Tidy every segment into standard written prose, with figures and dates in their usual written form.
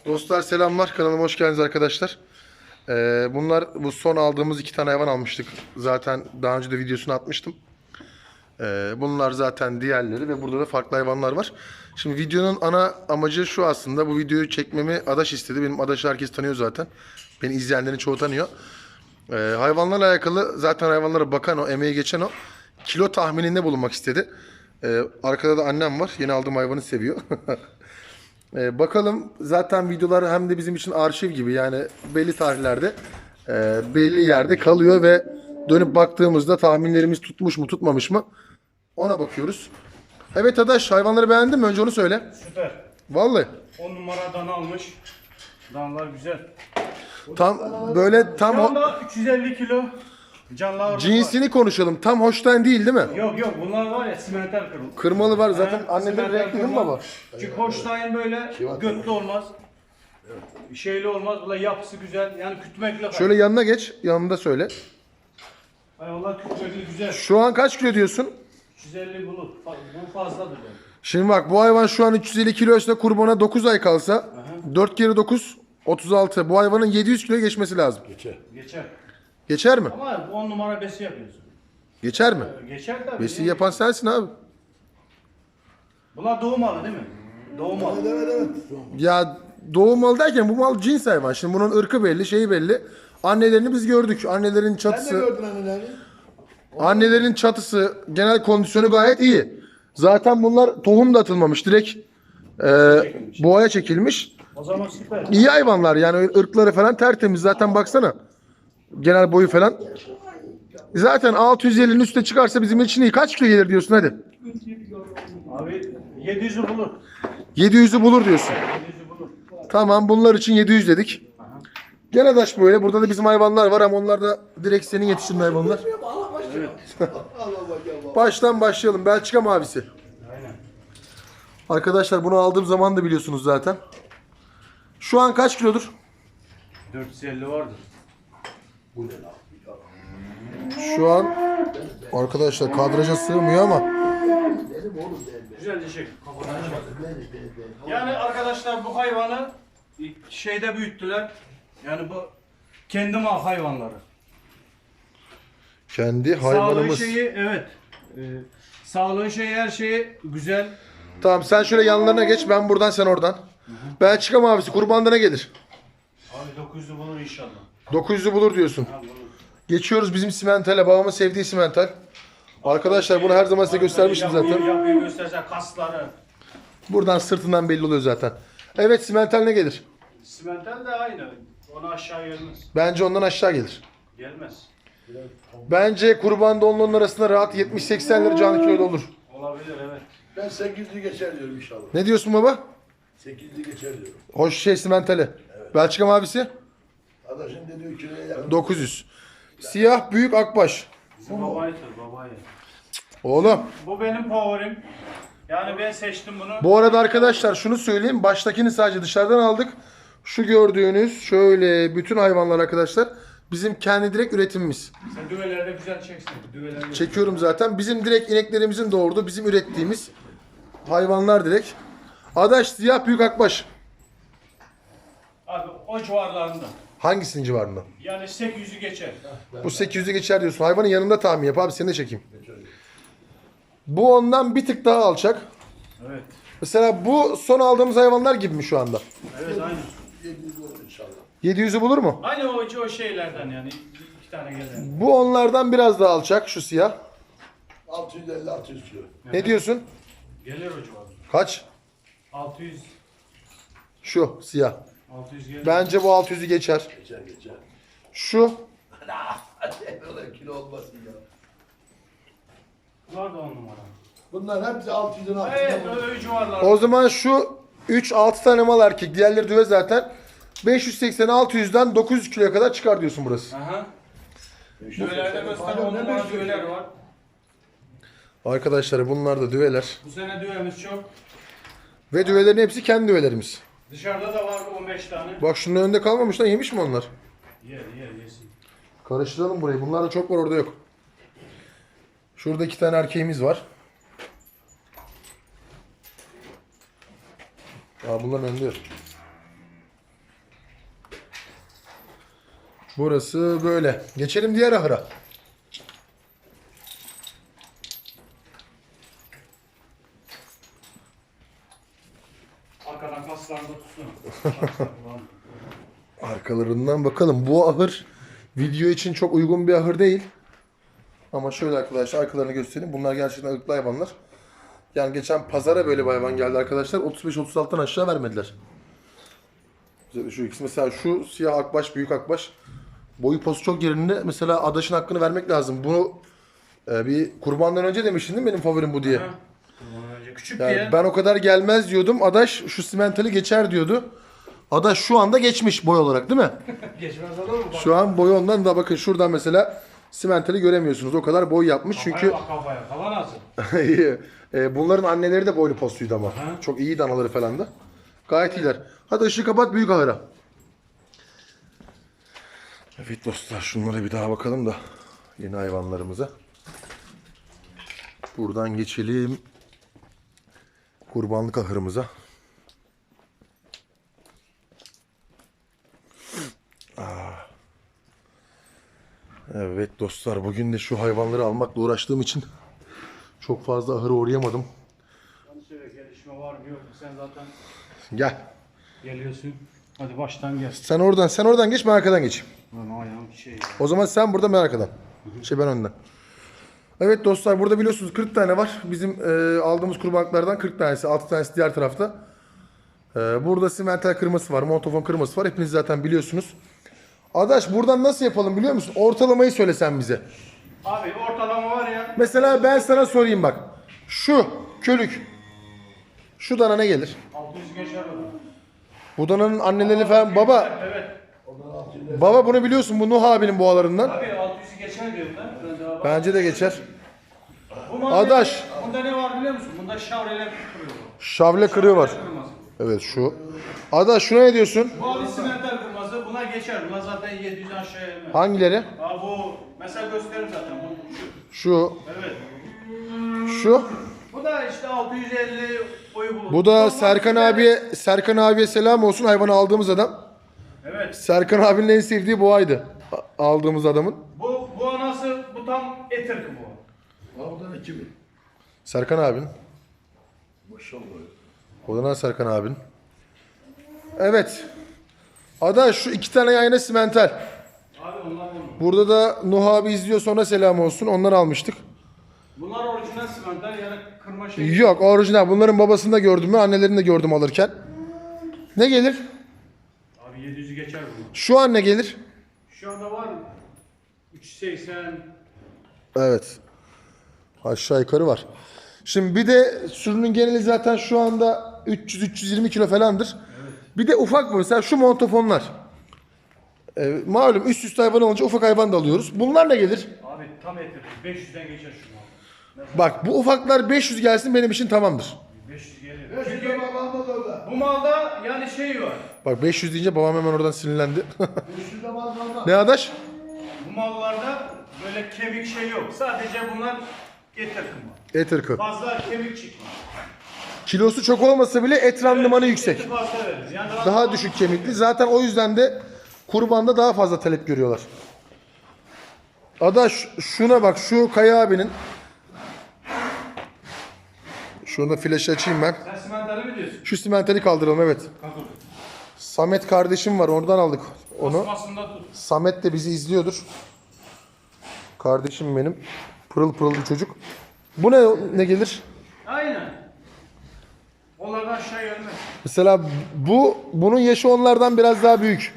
Dostlar selamlar. Kanalıma hoş geldiniz arkadaşlar. Bunlar bu son aldığımız 2 tane hayvan almıştık. Zaten daha önce de videosunu atmıştım. Bunlar zaten diğerleri ve burada da farklı hayvanlar var. Şimdi videonun ana amacı şu aslında. Bu videoyu çekmemi Adaş istedi. Benim Adaş'ı herkes tanıyor zaten. Beni izleyenlerin çoğu tanıyor. Hayvanlarla alakalı zaten hayvanlara bakan o, emeği geçen o. Kilo tahmininde bulunmak istedi. Arkada da annem var. Yeni aldığım hayvanı seviyor. Bakalım zaten videolar hem de bizim için arşiv gibi yani belli tarihlerde belli yerde kalıyor ve dönüp baktığımızda tahminlerimiz tutmuş mu tutmamış mı ona bakıyoruz. Evet Adaş, hayvanları beğendin mi? Önce onu söyle. Süper. Vallahi. 10 numara dana almış. Danalar güzel. Tam böyle tam Şu anda 350 kilo canlı ağırlık cinsini konuşalım. Tam Holstein değil mi? var. Yok bunlar var ya simenter kırıl. Kırmalı var zaten. Ha, Anneleri simenter renkli değil mi kırma. baba? Çünkü Holstein böyle götlü olmaz. Şeyli olmaz. Bunlar yapısı güzel. Yani kütmekle. Şöyle yanına geç. Yanında söyle. Hayvanlar kütmekli güzel. Şu an kaç kilo diyorsun? 350 bulur. Bu fazladır yani. Şimdi bak bu hayvan şu an 350 kiloysa kurbana 9 ay kalsa 4 kere 9 36. Bu hayvanın 700 kilo geçmesi lazım. Geçer. Geçer mi? Ama 10 numara besi yapıyorsun. Geçer mi? Geçer tabii. Besi yapan sensin abi. Bunlar doğum malı değil mi? Doğum malı. Ya doğum malı derken bu mal cins hayvan. Şimdi bunun ırkı belli, şeyi belli. Annelerini biz gördük. Annelerin Sen de çatısı, gördün annelerini. annelerin çatısı, genel kondisyonu gayet iyi. Zaten bunlar tohum da atılmamış. Direkt boğaya çekilmiş. O zaman süper. İyi hayvanlar yani ırkları falan tertemiz. Zaten baksana. Genel boyu falan. Zaten 650'nin üstüne çıkarsa bizim için iyi. Kaç kilo gelir diyorsun hadi. Abi 700'ü bulur. 700'ü bulur diyorsun. 700'ü bulur. Tamam bunlar için 700 dedik. Gene daş böyle. Burada da bizim hayvanlar var ama onlar da direkt senin yetiştirdiğin hayvanlar. Allah başlayalım. Allah başlayalım. Baştan başlayalım. Belçika mavisi. Aynen. Arkadaşlar bunu aldığım zaman da biliyorsunuz zaten. Şu an kaç kilodur? 450 vardır. Bu ne lan? Şu an arkadaşlar kadraja sığmıyor ama Benim oğlum benim. Güzel dişek. Yani arkadaşlar bu hayvanı şeyde büyüttüler. Yani bu kendi mal hayvanları. kendi Sağlığı hayvanımız. şeyi evet. Sağlığı şeyi her şeyi güzel. Tamam sen şöyle yanlarına geç. Ben buradan sen oradan. Belçika mavisi kurbanda ne gelir? Abi 900'ü bulur inşallah. 900'ü bulur diyorsun. Ha, bulur. Geçiyoruz bizim simentale. Babamın sevdiği simental. Arkadaşlar bunu her zaman size göstermiştim zaten. Yapıyı göstersen kasları. Buradan sırtından belli oluyor zaten. Evet simental ne gelir? Simental de aynı. Onu aşağı gelmez. Bence ondan aşağı gelir. Gelmez. Bence kurbanda onların arasında rahat 70-80 lira canlı kiloda olur. Olabilir evet. Ben 800'lü geçer diyorum inşallah. Ne diyorsun baba? 800'lü geçer diyorum. Hoş şey simentali. Belçika mavisi? Adaşın dediği kiloya yakın. 900. Siyah büyük akbaş. Bizim babaydır babayı. Oğlum. Bu benim favorim. Yani ben seçtim bunu. Bu arada arkadaşlar şunu söyleyeyim. Baştakini sadece dışarıdan aldık. Şu gördüğünüz şöyle bütün hayvanlar arkadaşlar bizim kendi direkt üretimimiz. Sen düvelerde güzel çeksin. Düveleri Çekiyorum zaten. Bizim direkt ineklerimizin doğurduğu bizim ürettiğimiz hayvanlar direkt. Adaş siyah büyük akbaş. Abi o civarlarında. Hangisinin civarında? Yani 800'ü geçer. Bu 800'ü geçer diyorsun. Hayvanın yanında tahmin yap abi seni de çekeyim. Bu ondan bir tık daha alçak. Evet. Mesela bu son aldığımız hayvanlar gibi mi şu anda? Evet aynı. 700 olur inşallah. 700'ü bulur mu? Aynı o şeylerden yani. İki tane gelen. Bu onlardan biraz daha alçak şu siyah. 650-600 kilo. Ne diyorsun? Gelir o civarı. Kaç? 600. Şu siyah. 600 gelir. Bence bu 600'ü geçer. Geçer. Şu Hadi öyle kilo olmasın ya. Var da 10 numara. Bunlar hepsi 600'ün altında. Evet öyle civarlar. o zaman şu 3-6 tane mal erkek. Diğerleri düve zaten. 580-600'den 900 kiloya kadar çıkar diyorsun burası. Aha. Düvelerde göster 10 numara düveler var. Arkadaşlar bunlar da düveler. Bu sene düvemiz çok. Ve düvelerin hepsi kendi düvelerimiz. Dışarıda da var 15 tane. Bak şunun önünde kalmamış lan, yemiş mi onlar? Yer yesin. Karıştıralım burayı. Bunlar da çok var, orada yok. Şurada 2 tane erkeğimiz var. Aa, bunların önünde yok. Burası böyle. Geçelim diğer ahıra. Arkadan kaslarında tutsun. Arkalarından bakalım. Bu ahır video için çok uygun bir ahır değil. Ama şöyle arkadaşlar arkalarını göstereyim. Bunlar gerçekten ırklı hayvanlar. Yani geçen pazara böyle bir hayvan geldi arkadaşlar. 35-36'dan aşağı vermediler. Şu ikisi mesela şu siyah akbaş, büyük akbaş. Boyu postu çok yerinde. Mesela adaşın hakkını vermek lazım. Bunu bir kurbandan önce demiştin değil mi benim favorim bu diye. Küçük Yani diye. ben o kadar gelmez diyordum. Adaş şu simentali geçer diyordu. Adaş şu anda geçmiş boy olarak değil mi? Geçmez olur mu? Bak. Şu an boyu ondan da bakın şuradan mesela simentali göremiyorsunuz. O kadar boy yapmış çünkü Kafaya bak kafaya. Kafa nasıl? bunların anneleri de boylu postuydu ama. Çok iyi anaları falan da. Gayet iyiler. Hadi ışığı kapat büyük ahıra. Evet dostlar şunlara bir daha bakalım da yeni hayvanlarımıza. Buradan geçelim kurbanlık ahırımıza. Evet dostlar bugün de şu hayvanları almakla uğraştığım için çok fazla ahıra uğrayamadım. Hani söyle gelişme var mı yok mu? Sen zaten Gel. geliyorsun. Hadi baştan gel. Sen oradan geç ben arkadan geçeyim. Lan ayağım şey ya. O zaman sen burada ben arkadan. Ben önden. Evet dostlar burada biliyorsunuz 40 tane var. Bizim aldığımız kurbanlıklardan 40 tanesi, 6 tanesi diğer tarafta. Burada simental kırması var, montofon kırması var. Hepiniz zaten biliyorsunuz. Adaş buradan nasıl yapalım biliyor musun? Ortalamayı söylesen bize. Abi ortalama var ya. Mesela ben sana sorayım bak. Şu kölük. Şu dana ne gelir? 600 geçer o. Bu dananın anneleri falan baba. Evet. Baba bunu biliyorsun bu Nuh abinin boğalarından. Abi 600'ü geçer diyorum ben. Bence de geçer. Bu malzeme- Adaş. Bunda ne var biliyor musun? Bunda şavreler kırıyor. Şavle kırığı var. Kırmızı. Evet şu. Adaş şuna ne diyorsun? Bu abi simental kırmızı. Buna geçer. Buna zaten 700 aşağıya inmez. Hangileri? Abi bu mesela gösteririm zaten. Bu şu. Şu. Evet. Şu. Bu da işte 650 boyu bulur. Bu da Serkan abiye selam olsun hayvanı aldığımız adam. Evet. Serkan abinin en sevdiği boğaydı. Aldığımız adamın. Bu anası bu tam et ırkı bu. Oradan 2000. Serkan abinin. Maşallah. O da Serkan abinin. Evet. Adaş şu 2 tane yayına simental. Abi onlar bunu. Burada da Nuh abi izliyor sonra selam olsun. Onları almıştık. Bunlar orijinal simental yani kırma şey. Yok orijinal. Bunların babasını da gördüm ben. Annelerini de gördüm alırken. Ne gelir? Abi 700'ü geçer bu. Şu an ne gelir? Şu anda var 380. Evet. Aşağı yukarı var. Şimdi bir de sürünün geneli zaten şu anda 300-320 kilo falandır. Evet. Bir de ufak bu. Mesela şu montofonlar. Malum üst üste hayvan olunca ufak hayvan da alıyoruz. Bunlar ne gelir? Abi tam et ırkı. 500'den geçer şu mal. Bak bu ufaklar 500 gelsin benim için tamamdır. 500 gelir. Çünkü Çünkü babamda da orada. bu malda yani şey var. Bak 500 deyince babam hemen oradan sinirlendi. 500 de babamda. Ne adaş? Bu mallarda böyle kemik şey yok. Sadece bunlar et ırkı mal. Et ırkı. Fazla kemik çıkmaz. Kilosu çok olmasa bile et randımanı yüksek. Eti fazla veririz. Yani Daha düşük kemikli. Zaten o yüzden de kurbanda daha fazla talep görüyorlar. Adaş şuna bak şu Kaya abinin. Şunu da flaşı açayım ben. Sen simentali mi diyorsun? Şu simentali kaldıralım evet. Kaldır. Samet kardeşim var oradan aldık onu. Basmasında tut. Samet de bizi izliyordur. Kardeşim benim. Pırıl pırıl bir çocuk. Bu ne gelir? Aynen. Onlardan aşağı gelmez. Mesela bunun yaşı onlardan biraz daha büyük.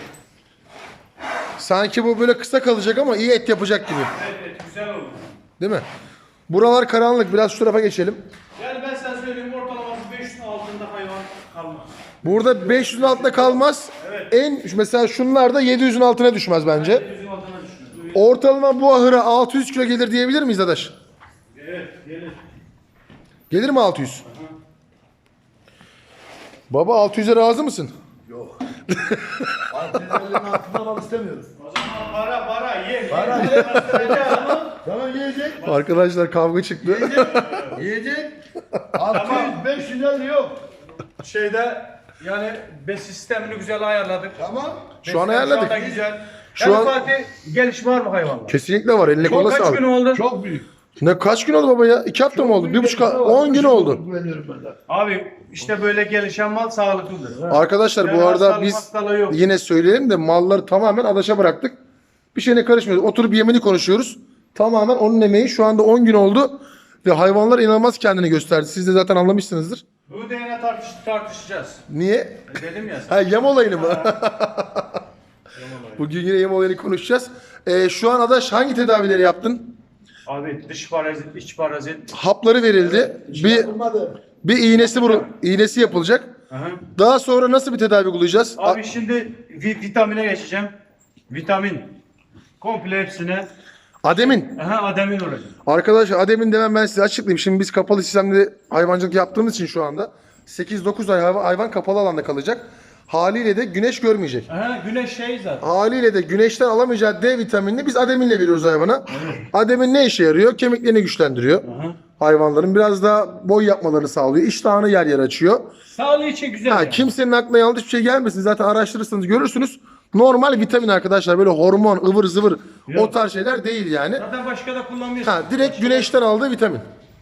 Sanki bu böyle kısa kalacak ama iyi et yapacak gibi. Evet, evet güzel olur. Değil mi? Buralar karanlık. Biraz şu tarafa geçelim. Yani ben sana söyleyeyim ortalaması 500'ün altında hayvan kalmaz. Burada 500'ün altında kalmaz. Evet. Mesela şunlar da 700'ün altına düşmez bence. 700'ün altına düşünüyorum. Ortalama bu ahıra 600 kilo gelir diyebilir miyiz adaş? Evet gelir. Gelir mi 600? Baba 600'e razı mısın? Yok. 650'nin altından al istemiyorum. O zaman para ye. Para ye. ye. Tamam yiyecek. Arkadaşlar kavga çıktı. Yiyecek. 600, 550 yok. Şeyde yani bes sistemini güzel ayarladık. Tamam. Şu an Besler ayarladık. Şu anda güzel. Şu Yani an Fatih gelişme var mı hayvanlar? kesinlikle var. Eline koluna Kaç sağlık. gün oldu? Çok büyük. Ne kaç gün oldu baba ya? 2 hafta mı oldu? Büyük 1,5 gelişme var. 10 gün Çok oldu. güveniyorum ben de. Abi işte böyle gelişen mal sağlıklıdır. Arkadaşlar Yani bu arada hastalık, biz hastalığı yok. yine söyleyelim de malları tamamen adaşa bıraktık. Bir şeyine karışmıyoruz. Oturup yemini konuşuyoruz. Tamamen onun emeği. Şu anda 10 gün oldu. Ve hayvanlar inanılmaz kendini gösterdi. Siz de zaten anlamışsınızdır. Bu da yine tartışacağız. Niye? Dedim ya. Ha, yem olayını mı? Bugün yine yem olayını konuşacağız. Şu an adaş hangi tedavileri yaptın? Abi dış parazit, iç parazit. Hapları verildi. Yapılmadı. Bir iğnesi yapılacak. Aha. Daha sonra nasıl bir tedavi uygulayacağız? Abi şimdi vitamine geçeceğim. Vitamin. Komple hepsine. Ademin. Aha, ademin olacak. Arkadaşlar ademin demem ben size açıklayayım. Şimdi biz kapalı sistemde hayvancılık yaptığımız için şu anda 8-9 ay hayvan kapalı alanda kalacak. Haliyle de güneş görmeyecek. Aha, güneş şey zaten. Haliyle de güneşten alamayacağı D vitaminini biz ademinle veriyoruz hayvana. Ademin ne işe yarıyor? Kemiklerini güçlendiriyor. Aha. Hayvanların biraz daha boy yapmalarını sağlıyor. İştahını yer yer açıyor. Sağlığı için güzel. Ha, yani. kimsenin aklına yanlış bir şey gelmesin. Zaten araştırırsanız görürsünüz. Normal vitamin arkadaşlar. Böyle hormon, ıvır zıvır o tarz şeyler değil yani. Zaten başka da kullanmıyorsun. Ha, direkt güneşten aldığı vitamin.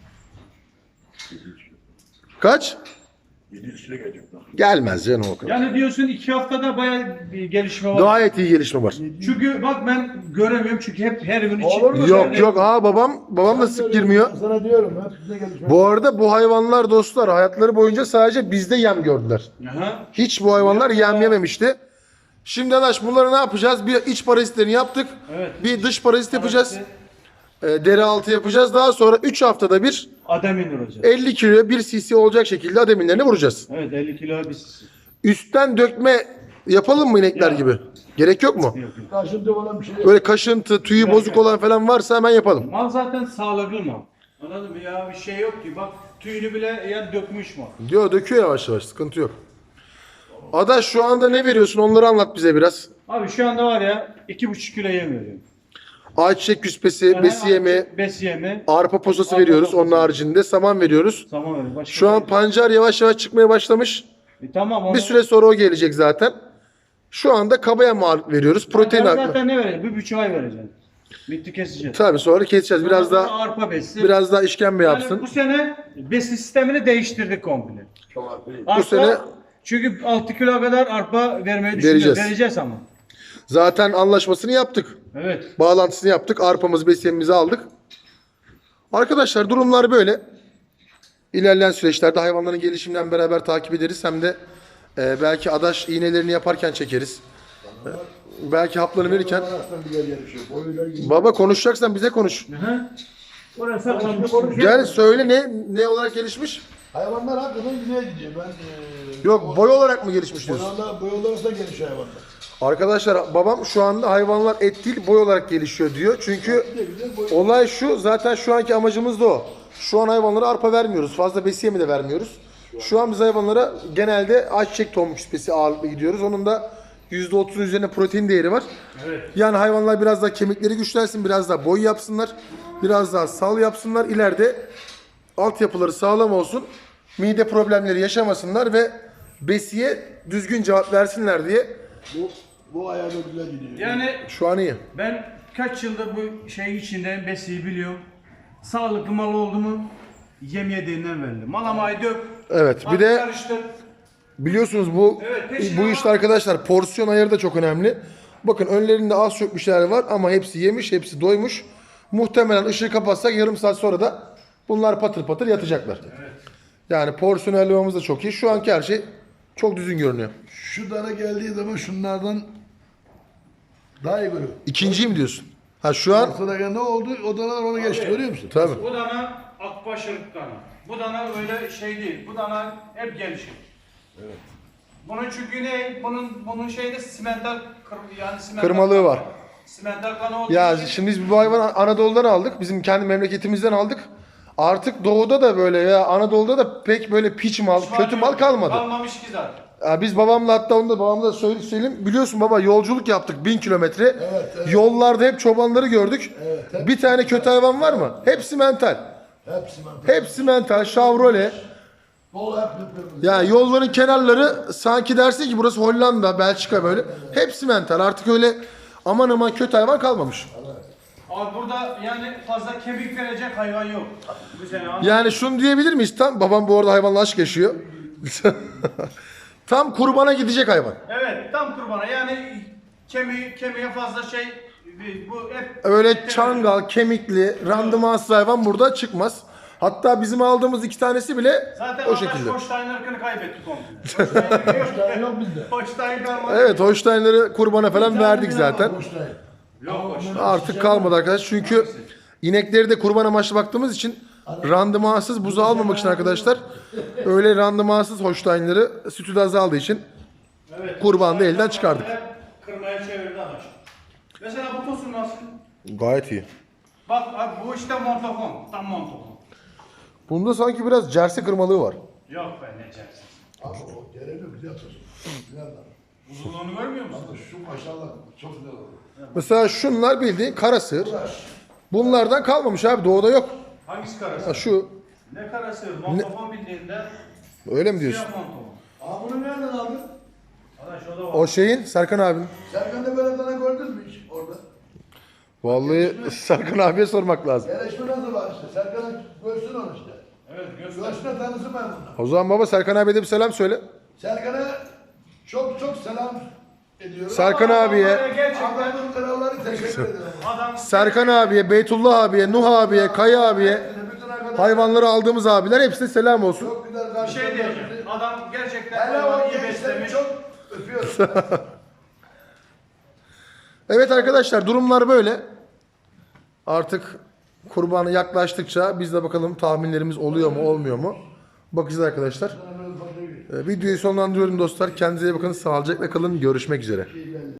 Kaç? 700 kilo gelecek lan. Gelmez canım o kadar. Yani diyorsun 2 haftada bayağı bir gelişme var. Gayet iyi gelişme var. Çünkü bak ben göremiyorum çünkü hep her gün için. Olur mu? Yok yok, babam da sık girmiyor. Ben sana diyorum. Hepsinde gelişme. Bu arada bu hayvanlar dostlar hayatları boyunca sadece bizde yem gördüler. Aha. Hiç bu hayvanlar yem yememişti. Şimdi Adaş bunları ne yapacağız? Bir iç parazitlerini yaptık. Evet. Bir dış parazit yapacağız. Deri altı yapacağız. Daha sonra 3 haftada bir Ademin olacak. 50 kiloya 1 cc olacak şekilde ademinlerini vuracağız. Evet 50 kilo bir sisi. Üstten dökme yapalım mı inekler Ya. gibi? Gerek yok mu? Yok, yok. Karşımda olan bir şey yok. Böyle kaşıntı, tüyü bozuk olan falan varsa hemen yapalım. Mal zaten sağlıklı mal. Anladın mı? Ya bir şey yok ki. Bak tüyünü bile yani dökmüş mal. Diyor döküyor yavaş yavaş, sıkıntı yok. Adaş şu anda ne veriyorsun onları anlat bize biraz. Abi şu anda var ya 2,5 kilo yem veriyorum. Ayçiçek küspesi, besiyemi, Besiyemi. arpa posası Arpa veriyoruz. posası. Onun haricinde saman veriyoruz. Tamam öyle. Başka Şu an bir- pancar yavaş yavaş çıkmaya başlamış. Tamam onu. Bir süre sonra o gelecek zaten. Şu anda kabaya mal veriyoruz. Protein Ben haklı. zaten ne vereceğim? 1,5 ay vereceğim. Bitti keseceğiz. Tabii sonra keseceğiz. Biraz Ondan sonra daha arpa besi. işkembe Yani yapsın. bu sene besi sistemini değiştirdik komple. Çok haklı. Arpa, sene- çünkü 6 kilo kadar arpa vermeyi düşünüyoruz. Vereceğiz. Vereceğiz ama. Zaten anlaşmasını yaptık. Evet. Bağlantısını yaptık. Arpamızı, besiyemimizi aldık. Arkadaşlar durumlar böyle. İlerleyen süreçlerde hayvanların gelişiminden beraber takip ederiz. Hem de belki adaş iğnelerini yaparken çekeriz. Belki haplarını verirken. Arasından bir yer yarışıyor. Boyuyla ilgili. Baba konuşacaksan bize konuş. Hı. Orası saklanmış. Gel söyle ne olarak gelişmiş? Hayvanlar hakikaten güzel gidiyor. Ben Yok boy olarak mı gelişmiş diyorsun? boyalar da gelişiyor hayvanlar. Arkadaşlar babam şu anda hayvanlar et değil boy olarak gelişiyor diyor. Çünkü Bir de güzel boy. olay şu, zaten şu anki amacımız da o. Şu an hayvanlara arpa vermiyoruz. Fazla besiye mi de vermiyoruz. Şu an biz hayvanlara genelde ayçiçek tohum küspesi ağırlıklı gidiyoruz. Onun da %30'un üzerine protein değeri var. Evet. Yani hayvanlar biraz daha kemikleri güçlensin, biraz daha boy yapsınlar. Biraz daha sal yapsınlar. İleride altyapıları sağlam olsun. Mide problemleri yaşamasınlar ve besiye düzgün cevap versinler diye. Bu ayağı da güzel gidiyor. Yani Şu an iyi. ben kaç yıldır bu şeyin içindeyim, besiyi biliyorum. Sağlıklı mal oldu mu yem yediğinden belli. Malamayı dök. Evet, bir at de karıştır. biliyorsunuz bu Evet, peşine bu işte arkadaşlar porsiyon ayarı da çok önemli. Bakın önlerinde az çok bir şeyler var ama hepsi yemiş, hepsi doymuş. Muhtemelen ışığı kapatsak yarım saat sonra da bunlar patır patır yatacaklar. Yani porsiyon ayarlamamız da çok iyi. Şu anki her şey çok düzgün görünüyor. Şu dana geldiği zaman şunlardan daha iyi görüyor. İkinciyi mi diyorsun? Ha şu an Sonra ne oldu? O danalar onu geçti görüyor musun? tabii. Bu dana akbaş ırk dana. Bu dana öyle şey değil. Bu dana hep gelişir. Evet. Bunun çünkü ne? Bunun şeyde simental yani simental Kırmalığı var. Simental kanı olduğu Ya için şimdi biz bu hayvanı Anadolu'dan aldık. Bizim kendi memleketimizden aldık. Artık doğuda da böyle ya Anadolu'da da pek böyle piç mal, kötü mal kalmadı. Kalmamış ki zaten. Ya biz babamla hatta onu da babamla söyleyeyim. Biliyorsun baba yolculuk yaptık 1000 kilometre. Evet. Yollarda hep çobanları gördük. Evet. Bir tane kötü hayvan var mı? Hepsi mental. Hepsi mantıklı. Hepsi mental. Chevrolet. Dolu hep kırmızı. Ya yolların kenarları sanki dersin ki burası Hollanda, Belçika böyle. Hepsi mental. Artık öyle aman aman kötü hayvan kalmamış. Abi burada yani fazla kemik verecek hayvan yok. Bu sene Yani şunu diyebilir miyiz? Tam babam bu arada hayvanla aşk yaşıyor. Tam kurbana gidecek hayvan. Evet, tam kurbana. Yani kemiğe fazla şey, bu hep Öyle çangal, kemikli, randımansız hayvan burada çıkmaz. Hatta bizim aldığımız 2 tanesi bile zaten o şekilde. Holstein ırkını kaybetti komple. Holstein yok bizde. Holstein kalmadı. Evet, Holstein'leri kurbana falan verdik zaten. Holstein. Yok Holstein. Artık kalmadı arkadaşlar. Çünkü inekleri de kurban amaçlı baktığımız için randımansız buzu almamak için arkadaşlar öyle randımansız Holstein'leri sütü de azaldığı için Evet. kurbanı da elden çıkardık. Kırmaya çevirdi adaş. Mesela bu tosun nasıl? Gayet iyi. Bak abi bu işte montafon. Tam montafon. Bunda sanki biraz jersey kırmalığı var. Yok be ne çersin. Abi o gereği güzel tutun. Güzel adam. Uzunluğunu görmüyor musun? Abi şu maşallah çok güzel oldu. Mesela şunlar bildiğin kara sığır. Bunlardan kalmamış abi, doğuda yok. Hangisi karası? Ha, şu Ne karası? Montafon bildiğinde öyle mi diyorsun? siyah montafon. Abi bunu nereden aldın? Adaş o da var. O şeyin Serkan abinin. Serkan da böyle tane gördün mü hiç orada? Vallahi Serkan abiye sormak lazım. Yarışma nasıl var işte? Serkan'a görsün onu işte. Evet göster. Görsün tanısın ben bunu. O zaman baba Serkan abiye de bir selam söyle. Serkan'a çok çok selam ediyorum. Serkan abiye, Gerçekten Adamın kralları teşekkür ederim. adam Serkan abiye, Beytullah abiye, Nuh abiye, Kaya abiye, Bütün arkadaşlar hayvanları aldığımız abiler hepsine selam olsun. çok güzel bir karşıladı. şey diyeceğim. Adam gerçekten Hele hayvanı o iyi gençleri beslemiş. çok öpüyorum. Evet arkadaşlar, durumlar böyle. Artık kurbanı yaklaştıkça biz de bakalım tahminlerimiz oluyor mu olmuyor mu? Bakacağız arkadaşlar. Videoyu sonlandırıyorum dostlar. Kendinize iyi bakın. Sağlıcakla kalın. Görüşmek üzere.